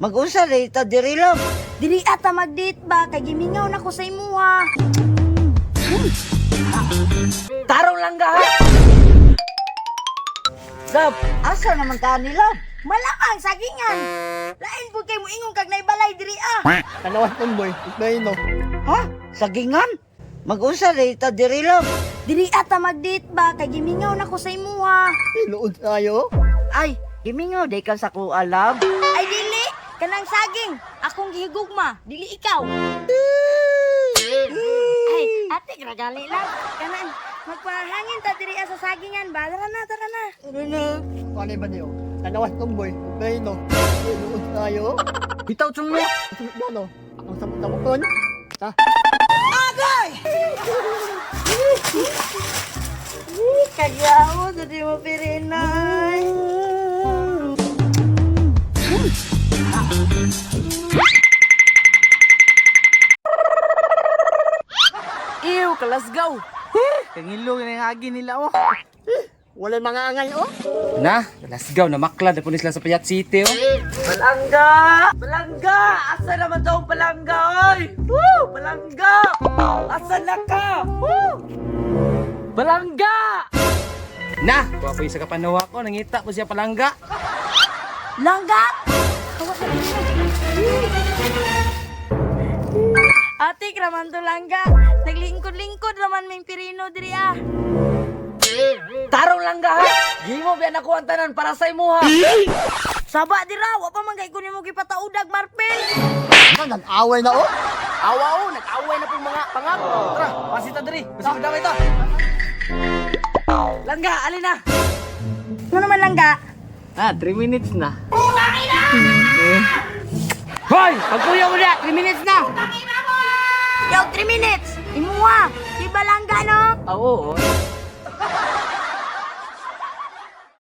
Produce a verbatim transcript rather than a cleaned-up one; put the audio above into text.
Mag-usa rin ta diri love. Dili ata mag-date ba kay gimingaw na ko sa imuha. Tarong lang ga ha. Love, asa naman ka ni love? Malamang sagingan. Lain pud kay mo ingon kag naibalay diri ah. Kanawan tomboy, iknay no. Ha? Sagingan? Mag-usa rin ta diri love. Dili ata mag-date ba kay gimingaw na ko sa imuha. Inuod tayo. Ay, gimingaw day ka sa kuha love. Ay dili, kanang saging. Akong gihigugma, dili ikaw. Ay, ate gragali lang. Kanang magpahangin ta diri sa sagingan ba? Tara na, tara na. Ano na? Kani ba niyo? Kanawan tomboy, iknay no. Inuod tayo. Bitaw chung mo. Sunod na no. Akong samot-samot ton. Ha? Kagyaw, dili mo pirinay. Ew, kalasgaw. Kangilo na yung agi nila oh. Wala mga angay oh. Na, lasgaw na maklad na sila sa Payat City oh. Balangga! Balangga! Asa naman daw ang balangga, oy? Woo! Balangga! Asa na ka? Woo! Balangga! Na, kuha po yung sa kapanawa ko, nangita po siya palangga. Langga! Ate, kraman to langga. Naglingkod-lingkod naman may pirino diri ah. Tarong langga ha! Gimo biyan ako ang tanan para sa imo ha! Saba dira, wa pa man kay kunin mo gipataudag Marpel. Ano, nag-away na oh. Awa oh! Nag-away na pong mga pangap! Tara, pasita diri! Basta madamay ta! Langga, alin na! Ano naman langga? Ah, three minutes na. Hoy! Pagkuya mo na! three minutes na! Yo, three minutes. Imuha. Di ba langga no? Oo, oh,